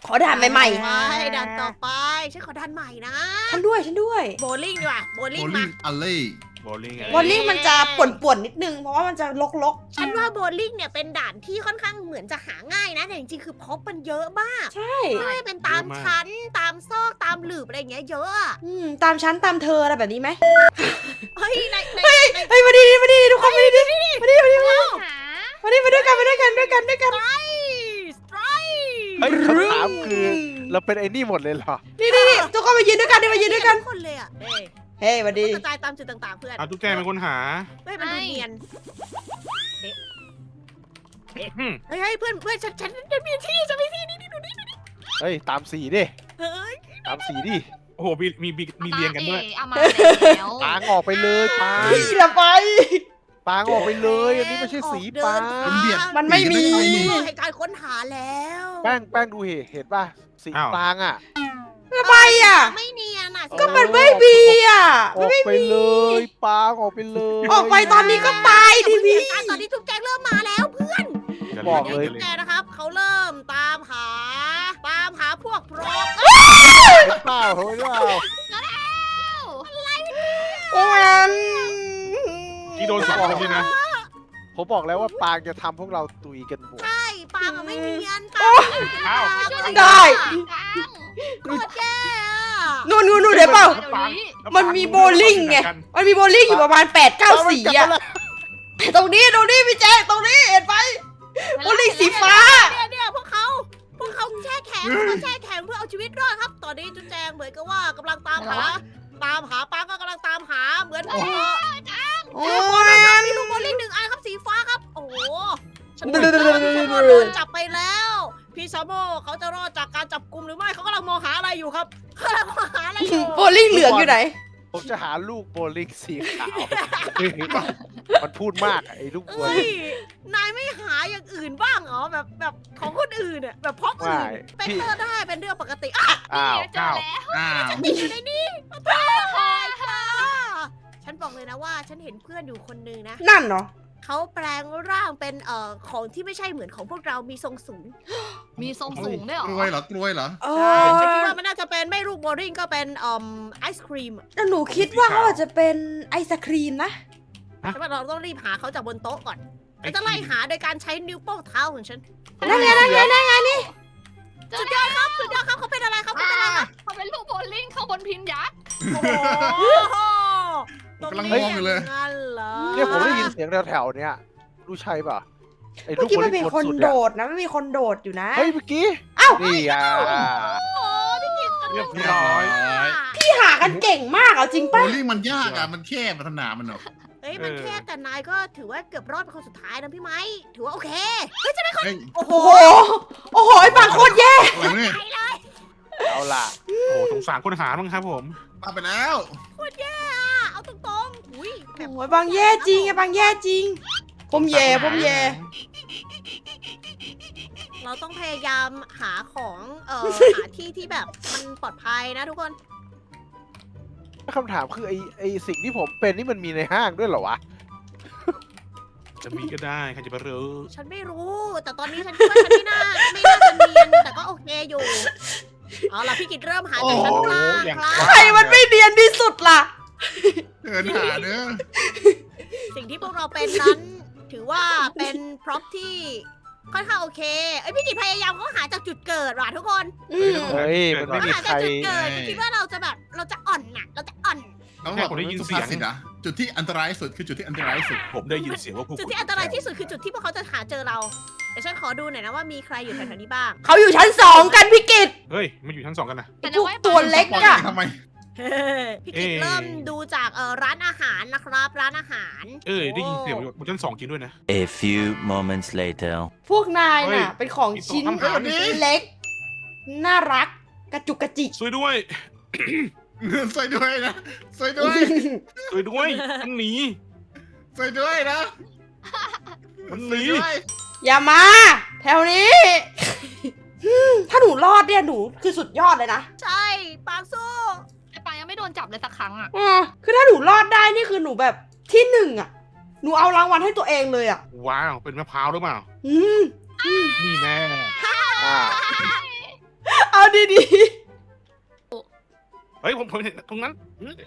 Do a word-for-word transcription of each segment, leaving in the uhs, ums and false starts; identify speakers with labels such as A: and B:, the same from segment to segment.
A: ขอด่านใหม่
B: ไปด่านต่อไปฉันขอด่านใหม่นะ
A: ๆฉันด้วยฉันด้วย
B: โบลิ่งดีกว่าโบ
C: โบ
B: ลิ่ง
C: ลิ่
B: มาง
C: อัลเล่
D: โบลิ่งไง
A: บอลลิ่งมันจะป่วนๆนิดนึงเพราะว่ามันจะลก
B: ฉันว่าโบลิ่งเนี่ยเป็นด่านที่ค่อนข้างเหมือนจะหาง่ายนะแต่จริงๆคือพบมันเยอะมาก
A: ๆ ใช่
B: ไม่ว่าจะเป็นตามชั้นตามซอกตามหลืบอะไรอย่างเงี้ยเยอะอะ
A: อืมตามชั้นตามเธออะไรแบบนี้ไหม
B: เฮ้ยในในใน
A: เฮ้ยมาดีมาดีทุกคนมาดีมาดีมาดีมาดี
E: หา
A: มาดีมาด้วยกันมาด้วยกันด้วยกันด้วยกัน
B: สไตร
F: เฮ้ยคำถามคือเราเป็นไอ้นี่หมดเลยเหรอ
A: นี่นี่นี่ทุกคนมายืนด้วยกันดิมายืนด้วยกัน
B: ทุกคนเลยอ่ะเฮ้ย
A: เฮ้ยมาดี
B: กระจายตามจุดต่างๆเพื่อน
D: เอาตุ๊กแกเป็นคนหา
B: เฮ้ยมันดูเนียน
D: อืม
B: เฮ้ยเฮ้ยเพื่อนเพื่อนฉันฉันฉันมีที่ฉันมีที่นี่นี่ดูนี่ดูนี่
F: เฮ้ยตามสีดิ
B: เฮ้ย
F: ตามสีดิ
D: โอ้โหมีมีมีมีเรียงกันด้วย
E: เอามาแล้ว
F: ปางออกไปเลยปาง
A: พี่ละไป
F: ปางออกไปเลย อันนี้ไม่ใช่สีปาง
C: มันเบียด
A: มันไม่มี
B: ให้การค้นหาแล้ว
F: แป้งแป้งดูเหตุเห็นป่ะสี
D: อ้าว
F: ปางอ่ะ
A: ละไปอ่ะ
B: ไม่เนียนอ่ะ
A: ก็มันไม่มีอ่ะ
F: อ
A: มัน
F: อก
A: ไม่
F: ไป
A: มี
F: เลยปางออกไปเลย
A: ออกไปตอนนี้ก็ตายดิพี่
B: ตอนนี้ทุกแจงเริ่มมาแล้วเพื่อน
F: บอกเลย
B: ทุกแจงนะครับเขาเริ่มตามหา ตามหาพวกพรอก
F: เห็นเปล่าเห็นเปล่า
A: โอ้ย
D: ที่โดนสองคนด้วยนะ
F: ผมบอกแล้วว่าปางจะทำพวกเราตุยกันหมด
B: ใช่ปางอะไม่เนียนปา
A: โอ้
B: ง
D: อ้าว
A: ได้
B: โคตรแย่อะ
A: นู่นนู่นนู่นเดี๋ยวเปล่า
E: เดี๋ยวนี้
A: มันมีโบลิ่งไง มันมีโบลิ่งอยู่ประมาณแปดเก้าสีอ่ะ ตรงนี้ตรงนี้พี่แจ๊คตรงนี้เห็นไหมโบลิ่งสีฟ้า
B: เนี่ยเนี่ยพวกเขาพวกเขาแช่แข็งเขาแช่แข็งเพื่อเอาชีวิตรอดครับ ตอนนี้จุ๊แจงเหมือนกับว่ากำลังตามหา ตามหาปางก็กำลังตามหาเหมือน
A: โอ้
B: โอ้
A: ย
B: มีลูกโบลิ่งหนึ่งอันครับสีฟ้าครับ โอ้โหฉัน
A: เดี๋
B: โด
A: ยวน เดี๋ยวเดี๋ยว
B: ฉันโดนจับไปแล้ว พี่ซาโมเขาจะรอดจากการจับกุมหรือไม่เขากำลังมองหาอะไรอยู่ครับเขากำลังมองหาอะไรอยู่
A: โบลิ่งเหลืองอยู่ไหน
F: ผมจะหาลูกโบลิ่งสีขาว มันพูดมากอะไอ้ลูกโบ
B: เอ้
F: ลิ่
B: ย
F: ง
B: นายไม่หาอย่างอื่นบ้างเหรอแบบแบบของคนอื่นเนี่ยแบบพร็อพอื่น
F: ไม่
B: เป็น
F: พี่
B: เตอร์ได้เป็นเรื่องปกติอ่ะ
F: อ้าว
E: เจอแล้ว
C: อ้าว
B: ติดอยู่ในนี้ตายค่ะฉันบอกเลยนะว่าฉันเห็นเพื่อนอยู่คนนึงนะ
A: นั่นเนาะ
B: เขาแปลงร่างเป็นเอ่อของที่ไม่ใช่เหมือนของพวกเรามีทรงสูง
E: มีทรงสูงด้วยเหร
C: ก
E: อ
C: ล้วยเหรอกล้วยเหรอ
A: เอ
B: ฉัน
A: อ
B: คิดว่ามันน่าจะเป็นไม่รูปโบลิ่งก็เป็นเอ่อไอศครีม
A: แต่หนูคิดว่าเขาอาจจะเป็นไอศครีมนะ
B: ฉันว่าเราต้องรีบหาเขาจากบนโต๊ะก่อนฉันจะไล่หาโดยการใช้นิ้วโป้งเท้าของฉัน
A: นั่นไงนั่นไงนั่นไงนี่
B: สุดยอดครับสุดยอดครับเขาเป็นอะไรครับเขาเป็นอะไรครับ
E: เขาเป็นลูกโบลิ่งข้างบนพินยักษ์
B: โอ้โห
C: กำลังมองอยู่เลย
B: งั้นเหรอ
F: เนี่ยผมได้ยินเสียงแถวๆเนี้ยรู้ใช่ป่ะไอ้ลู
A: เมื่อก กี้
F: โบ
A: มัน
F: ลิ่
A: มี
F: ง
A: คน
F: สุด
A: โด
F: ๆอะ
A: ดนะไม่มีคนโดดอยู่นะ
F: เฮ้ยเมื่อกี้
A: อ้าว
F: นี่อ่ะ
B: โอ้พี่กิต
D: เรียบร้อย
A: พี่หากันเก่งมากเอาจริง
C: โบ
A: ป่ะ
C: ลิ่งมันยากอ่ะ มันแคบมันสนามมันเนาะ
B: เฮ้ยมัน
D: เออ
B: แค่แต่นายก็ถือว่าเกือบรอดเป็นคนสุดท้ายนะพี่ไม้ถือว่าโอเค
C: เฮ้ย
B: โอ้โห
A: โอ้โห โอ้โหไอ้ปากโคตรแย่
C: อะไรเนี่ย
B: ไปเลย
F: เอาล่ะ
D: โอ้โหสงสารคนหาบ้างครับผม
C: มาไปแล้ว
B: โคตรแย่อะเอาตรงๆอุ้ยแบบ
A: โอ้ยบางแย่จริงไอ้บางแย่จริง ผมแย่ผมแย่
B: เราต้องพยายามหาของเอ่อ หาที่ที่แบบมันปลอดภัยนะทุกคน
F: คำถามคือไอ้ไอ้สิ่งที่ผมเป็นนี่มันมีในห้างด้วยเหรอวะ
D: จะมีก็ได้ใครจะไปรู้
B: ฉันไม่รู้ แต่ตอนนี้ฉันคิดว่าฉันไม่น่าไม่น่าจะเนียนแต่ก็โอเคอยู่เอาล่ะพี่กิตเริ่มหาจากชั้นล่างครับ
A: ใครมันไม่เนียนที่สุดล่ะ
C: เดินหาเด้อ
B: สิ่งที่พวกเราเป็นนั้น ถือว่าเป็นพร็อพที่ค่อนข้างโอเคเอ้ยพี่กิตพยายามเขาหาจากจุดเกิดว่ะทุกคน
A: อืม
F: เฮ้ยมันไม่มี
B: หา
F: ใค
B: จาก
F: ร
B: จุดเกิดคิดว่าเราจะแบบเราจะอ่อนน่ะ เราจะอ่อน
C: ต้องบอกผมได้ยินเสียงสิอ่ะจุดที่อันตรายสุดคือจุดที่อันตรายสุด
D: ผมได้ยินเสียงว่าพวก
B: จุดที่อันตรายที่สุดคือจุดที่พวกเขาจะหาเจอเราเดี๋ยวฉันขอดูหน่อยนะว่ามีใครอยู่แถวๆนี้บ้าง
A: เขาอยู่ชั้นสองกันพี่กิต
D: เฮ้ยมันอยู่ชั้นสองกันนะ
A: ไอ้พวกตัวเล็กอะ
C: ทำไม
B: พี่กิตเริ่มดูจากเอ่อร้านอาหารนะครับ ร้านอาหาร
D: เอ้ยได้ยินเสียงบนชั้นสองจริงด้วยนะ
G: A few moments later.
A: พวกนาย
D: เฮ้ย
A: น่ะ เป็นของชิ้น
D: มีตัวทำอาหารนี่
A: เล็ก น่ารัก กระจุกกระจิก
D: ช่วยด้วย
C: ช่วยด้วยนะช่วยด้วย
D: ช่วยด้วยมันหนี
C: ช่วยด้วยนะ
D: มันหนี
C: ช่วยด้วย
A: อย่ามา แถวนี้ ถ้าหนูรอดเนี่ยหนูคือสุดยอดเลยนะ
B: ใช่ปางสู้
E: ไอ้ปางยังไม่โดนจับเลยสักครั้งอ่ะ
A: อืมคือถ้าหนูรอดได้นี่คือหนูแบบที่หนึ่งอะหนูเอารางวัลให้ตัวเองเลยอะ
D: ว้าวเป็นมะพร้าวหรือเปล่า
A: อืม
D: นี่แน่
F: อ่า
A: ดี
D: เฮ้ยผมผมเห็นตรงนั้น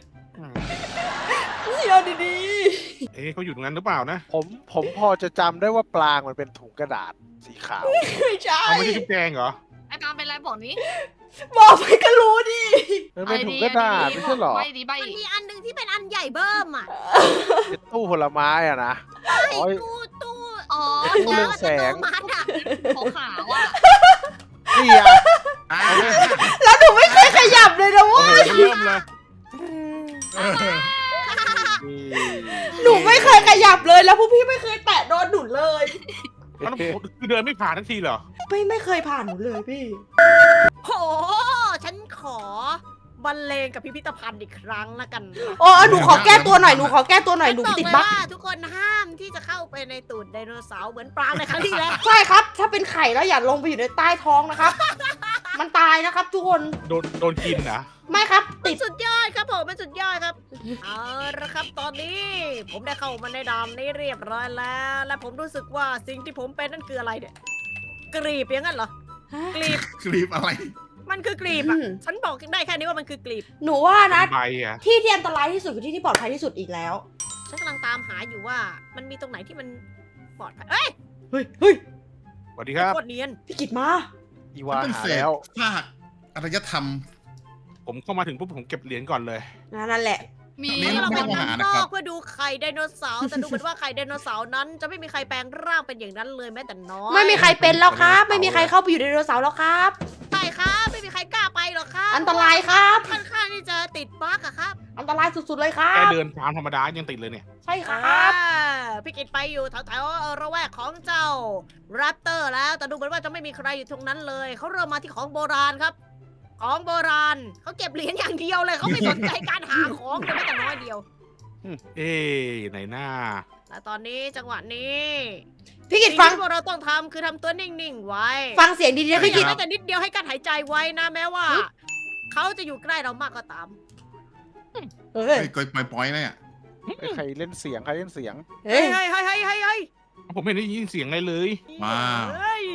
A: ๆพี่เอาดี
D: เอ๊ะเขาอยู่ตรงนั้นหรือเปล่านะ
F: ผมผมพอจะจำได้ว่าปลางมันเป็นถุงกระดาษสีขาว
A: ๆไม่ใช่
D: เอาไม่ใช่ชุบแจงเหรอ
E: ไอ้ปางเป็นไรบอกนี้
A: บอกไปก็รู้ดิ
F: มันเป็นถุงกระดาษไม่ใช่เหรอ
E: ใบดีใบ
B: มันมีอันหนึงที่เป็นอันใหญ่เบิ่มอ่ะ
F: เป็นตู้ผลไม้อะนะ
B: ไอ้
F: โอ้ย
B: ตู้ตู้
E: อ๋อ
F: ตู้เรืองแสง
B: อัตโนมัติอ่ะ
E: ขาวๆอ่ะ
F: นี่อะ
C: อ่า
A: แล้วหนูไม่เคยขยับเลยนะ
D: โอ้
A: เว้ย
D: โหเริ่มเลย
C: เออ
F: นี่
A: หนูไม่เคยขยับเลยแล้วพวกพี่ไม่เคยแตะโดนหนูเลย
D: แล้วคือเดินไม่ผ่านทันทีเหรอ
A: ไม่ไม่เคยผ่านหนูเลยพี่
B: โห ฉันขอบรรเลงกับพิพิธภัณฑ์อีกครั้งละกันนะ
A: อ๋อหนูขอแก้ตัวหน่อยหนูขอแก้ตัวหน่อยหนู
B: ฉั
A: ติด
B: บ
A: บั๊
B: อก กเลยว่าทุกคนห้ามที่จะเข้าไปในตูดไดโนเสาร์เหมือนปลางในครั้งที่แล้ว
A: ใช่ครับ ถ้าเป็นไข่แล้วอย่าลงไปอยู่ในใต้ท้องนะครับ มันตายนะครับ ทุกคน
D: โดนโดนกินนะ
A: ไม่ครับ
B: มั
A: ติ
B: น
A: ด
B: สุดยอดครับผมมันสุดยอดครับ เอาละครับตอนนี้ ผมได้เข้ามาในด่านนี้เรียบร้อยแล้ว และผมรู้สึกว่าสิ่งที่ผมเป็นนั่นคืออะไรเนี่ยกรีบอย่างนั้นเหรอ กรีบ
C: คลิปอะไร
B: มันคือกรีบอ่ะ ฉันบอกได้แค่นี้ว่ามันคือกรีบ
A: หนูว่านะ
D: ใบอ่ะ
A: ที่ที่อันตรายที่สุดคือที่ที่ปลอดภัยที่สุดอีกแล้ว
B: ฉันกำลังตามหาอยู่ว่า มันมีตรงไหนที่มันปลอดภัย เอ้ย
A: เฮ้ยเฮ้ย
D: สวัสดีครับ
B: โคตรเนียน
A: พี่กิตมา
F: อี
C: มั
F: วาน
C: เป็น
F: หา
C: เศษ
F: แล้ว
C: ซากอารยธรรม
D: ผมเข้ามาถึงปุ๊บผมเก็บเหรียญก่อนเลย
A: นั่นแหละ
E: มี
C: นี่
B: เรา
C: ไม่
B: มา
C: ได้
B: ด้าน
C: หานะ
B: น
C: ครั
B: อบ กเพื่อดูไข่ไดโนเสาร์แต่ดูเหมือนว่าไข่ไดโนเสาร์นั้น จะไม่มีใครแปลงร่างเป็นอย่างนั้นเลยแม้แต่น้อย
A: ไม่มีใครเป็นแล้วครับ ไม่มีใครเข้าไปอยู่ในไดโนเสาร์แล้วครับ
B: ใช่ครับไม่มีใครกล้าไปหรอกครับ
A: อันตรายครับ
B: ค่อนข้างที่จะติดบั๊กอะครับ
A: อันตรายสุดๆเลยครั
D: แค่
A: บ
D: เดินตามธรรมดายังติดเลยเนี่ย
A: ใช่ค
B: อ่า
A: รับ
B: พี่กิตไปอยู่แถวๆระแวกของเจ้าแรปเตอร์แล้ว แต่ดูเหมือนว่าจะไม่มีใครอยู่ตรงนั้นเลย เขาเริ่มมาที่ของโบราณครับ ของโบราณเขาเก็บเหรียญอย่างเดียวเลยเขาไม่สนใจการหาของเลยแม้แต่น้อยเดียว
D: เอ๊ะไหนหน้า
B: และตอนนี้จังหวะนี้
A: พี่กิ
B: สิ่
A: ต
B: ง
A: ฟัง
B: ที่พวกเราต้องทำคือทำตัวนิ่งๆไว้
A: ฟังเสียงดีๆนะ
B: ข
A: พี่
B: ยั
A: กิ
B: บ
A: ต
B: แม้แต่นิดเดียวให้การหายใจไว้นะแม้ว่า เขาจะอยู่ใกล้เรามากก็ตาม
A: เฮ้ย
C: เฮ้ยกอยปล่อยๆเนี่ย
F: ไอ้ใครเล่นเสียงใครเล่นเสียง
A: เฮ้
B: เฮ้
A: ย
B: ยเฮ้ยเฮ้ยเฮ้ยเฮ้ย
D: ผมไม่ได้ยินเสียงอะไรเลย
C: ว้าว
B: เฮ้ย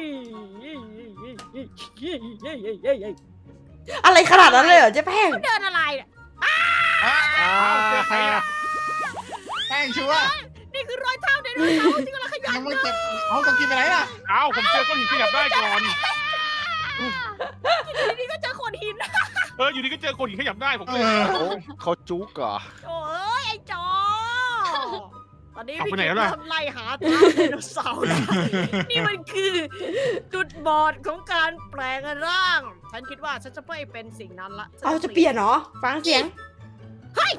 A: อะไรขนาดนั้นเลยเหรอเจ๊แป้ง
B: เดินอะไรเนี่ย
C: อ้าวเจอใครอ่ะแป้งชัวร์
B: นี่คือรอยเท้าไดโนเสาร์ที่กำลังขยับ
C: ยังไม่เก็บเอาต้องกินไปไหนล่ะ
D: เอ้าผมเจอก้อนหินขยับได้ก่อน
B: อยู่ดีๆก็เจอโขดหิน
D: เอออยู่ดีก็เจอคนหินขยับได้ผม
C: เอ
D: เลย
C: อ
F: เขาเขาจุกเหรอ
B: โอ้ยไอ้จอ ตอนนี้
D: เอา
B: พี่
D: ไปไหน
B: กิ
D: แล้ว
B: ต
D: ล่ะ
B: ทำไล่หาเท้าไดโนเสาร์นะนี่มันคือจุดบอดของการแปลงร่าง ฉันคิดว่าฉันจะไม่เป็นสิ่งนั้นละฉัน
A: เอาจะเปลี่ยนเหรอ ฟังเสียง
D: เอ้ย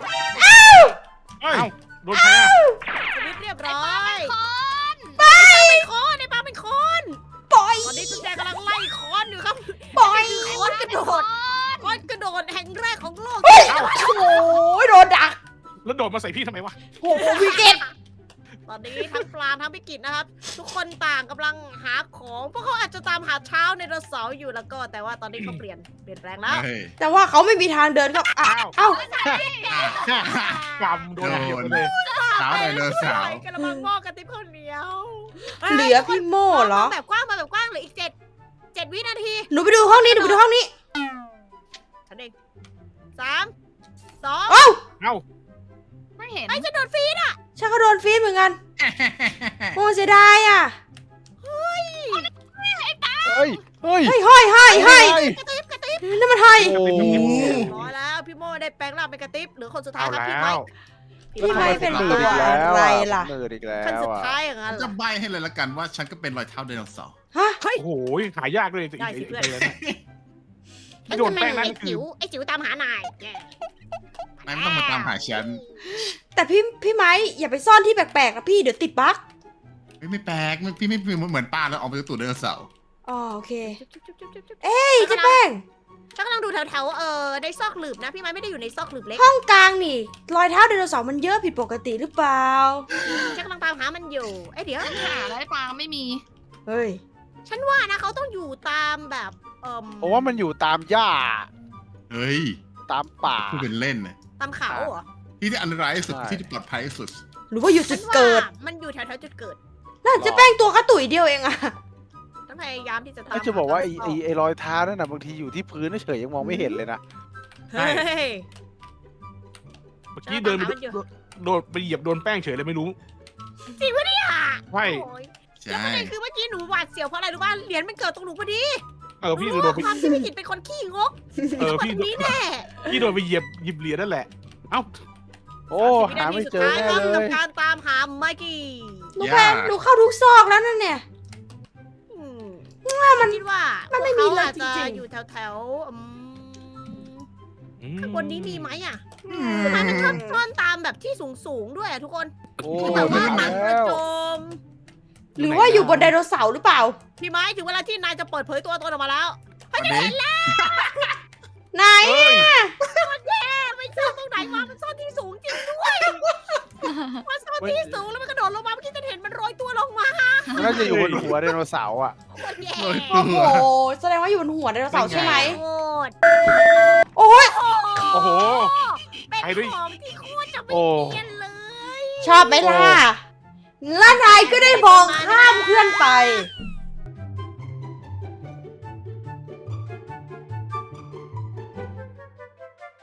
D: โดนใครอ่ะ
B: สวิตช์เรียบร้อย
E: คอน
B: ไอ้ปลาเป็นคอนไอ้ปลาเป็นคอน
A: ปล่อย
B: ตอนนี้จุ๊บแจงกำลังไล่คอนอยู่ครับ
A: ปล่อย
B: คอนกระโดดคอนกระโดดแห่งแรกของโลก
A: เฮ้ย โอ้ยโดนดัก
D: แล้วโดดมาใส่พี่ทำไมวะ
A: โอ้โหพี่กิต
B: ตอนนี้ทั้งปลาทั้งพิกิจนะครับ ทุกคนต่างกำลังหาของพวกเขาอาจจะตามหาเช้าในไดโนเสาร์อยู่แล้วก็ แต่ว่าตอนนี้เขาเปลี่ยนเปลี่ยนแปลงแล้ว
C: เฮ้ย
A: แต่ว่าเขาไม่มีทางเดินก็อ้าวเอ้า
D: กำโดนอย่างเดียวเลย
C: สาวไดโนเสาร์
B: กระมังหม้อกระติบข้าวเหนียว
A: เหลือพี่โม่เหรอ
B: มาแบบกว้างมาแบบกว้างเหลืออีกเจ็ดเจ็ดวินาที
A: หนูไปดูห้องนี้ หนูไปดูห้องนี้
B: ฉันเองสามสอง
A: เอ้า
D: เอ้า
E: ไม่เห็น
B: ไอ้ฉันโดนฟรีดอ่ะ
A: ฉันก็โดนฟีดเหมือนกัน โอ้เสียดายอ่ะ
F: เฮ้ย เฮ้ย
A: เฮ้ยเฮ้ยเฮ้ยเฮ้ย
F: เฮ้ย
B: กระติบกระติบ
A: นั่นมันเฮ้ย
F: โอ้โห
B: ร้อยแล้วพี่โม่ได้แปลงร่างเป็นกระติบหรือคนสุดท้าย
D: เอา
B: ครับพี่
D: แล้
B: ไม้
D: ว
A: พี่ไม้เป็น
F: ห
A: ตั
F: นื
A: ว
F: ดอีกแล้ว
A: อะไรล่ะ
F: หนืดอีกแล้
B: คน
F: ว
B: สุด
F: อ่ะ
B: ท้ายอย่างนั้นเหร
C: จะ
B: อ
C: ใบให้เลยละกันว่าฉันก็เป็นรอยเท้าไดโนเสาร์
A: ฮะ
D: โอ้โหหายากเลย
B: ได้สิเพื่อน
D: ไอ้เนี่ยที่โดนแป้งนั่น
B: ไอ้
D: คื
B: จิ๋
D: อ
B: วไอ้จิ๋วตามหานายแย่
C: นายไม่ต้องมาตามหาฉัน
A: แต่พี่พี่ไม้อย่าไปซ่อนที่แปลกๆนะพี่เดี๋ยวติดบั๊ก
C: เฮ้ยไม่แปลกไม่พี่ไม่เหมือนป้าแล้วออกไปตูดไดโนเสาร์
A: อ๋อโอเค
B: จุ๊บจุ๊บจุ๊บจุ๊บจุ๊บ
A: เฮ้ยเจ๊แป้ง
B: ฉันกำลังดูแถวๆเออในซอกหลืบนะพี่ไม้ไม่ได้อยู่ในซอกหลืบเล็ก
A: ห้องกลางนี่ รอยเท้าไดโนเสาร์มันเยอะผิดปกติหรือเปล่า
B: ฉันกำลังตามหามันอยู่เอ้ยเดี๋ยว
E: หาแล้วไอ้ปางไม่มี
A: เฮ้ย
B: ฉันว่านะเขาต้องอยู่ตามแบบเอ่ม
F: เพราะว่ามันอยู่ตามหญ้า
C: เฮ้ย
F: ตามป่า
C: พูดเป็นเล่นนะ
B: ตามเขาเหรอ
C: ที่ที่อันตรายที่สุด
F: ใช่
C: ที่ที่ปลอดภัยที่สุด
A: หรือว่าอยู่
B: ฉั
A: จุ
B: น
A: ด
B: ว่า
A: เกิด
B: มันอยู่แถวๆจุดเกิด
A: น่าจะแป้งตัวกระตุ๋ยเดียวเองอะ
B: ฉันพยายามที่จะตาม
F: ก็จะบอกว่าไอ้
B: ห
F: ไอ้ไอ้รอยเท้านั่นน่ะบางทีอยู่ที่พื้นเฉยๆยังมองไม่เห็นเลยนะ
B: เฮ้ย
D: เมื่อกี้เดินไปโดนไปเหยียบโดนแป้งเฉยเลยไม่รู้
B: จริงปะเนี่ย
D: ใช่
B: โอ้ย
C: ใช่
B: แล้วประเด็นคือเมื่อกี้หนูหวาดเสียวเพราะอะไรรู้ป่ะเหรียญมันเกิดตรงหนูพอดี
D: เออพี่
B: รู้
D: โด
B: ว่าน
D: ไป
B: ความที่พี่กิตเป็นคนขี้งก
D: เออ
B: คน
D: พี่
B: นี้แน่
D: พี่โดนไปเหยียบหยิบเหรียญนั่นแหละ เอ้า
F: โอ้หาไม่เจอ
B: สามสิบวิ
F: แน่
B: นาทีสุดท้ายครับ
F: เล
B: กับ
F: ย
B: การตามหาไมกี้
A: หนูแพงหนูเข้าทุกซอกแล้วนั่นเนี่ย
B: อืม
A: ว่ามัน
B: คิดว่า
A: มันไม่มี
B: พวก
A: เลย
B: ขาอาจจะ
A: จริงๆ
B: อยู่แถวแถวๆอืม
D: อืม
B: ข้างบนนี้มีไหมอ่ะ
A: อืม
B: ทำไมมันชอบซ่อนตามแบบที่สูงสูงๆด้วยอ่ะทุกคน
F: โอ้
B: ที่แบบว่า
F: ถึง
B: หนังก
F: แล้
B: ระ
F: ว
B: โจม
A: หรือว่าอยู่บนไดโนเสาร์หรือเปล่า
B: พี่ไม้ถึงเวลาที่นายจะเปิดเผยตัวตนออกมาแล้ว
C: อันนี้
A: ไหน
D: เฮ้ย
B: แย่ไม่ซ่อนตรงไหนมามันซ่อนที่สูงจริงด้วยมันซ่อนที่สูงแล้วมันกระโดดลงมาเมื่อกี้จะเห็นมันโรยตัวลงมา
F: มันน่าจะอยู่บนหัวไดโนเสาร์อ่ะ
B: โคตรแย่
A: โอ้โห แสดงว่าอยู่บนหัวไดโนเสาร์ใช่ไหม
B: โคตร
A: โอ้ย
D: โอ้โห
B: เป็น
D: ไปด้วย
B: ของที่โคตรจะไม่
F: โอ้
B: เนียนเลย
A: ชอบไหมล่ะ แล้วนายก็ได้มองข้ามเพื่อนไป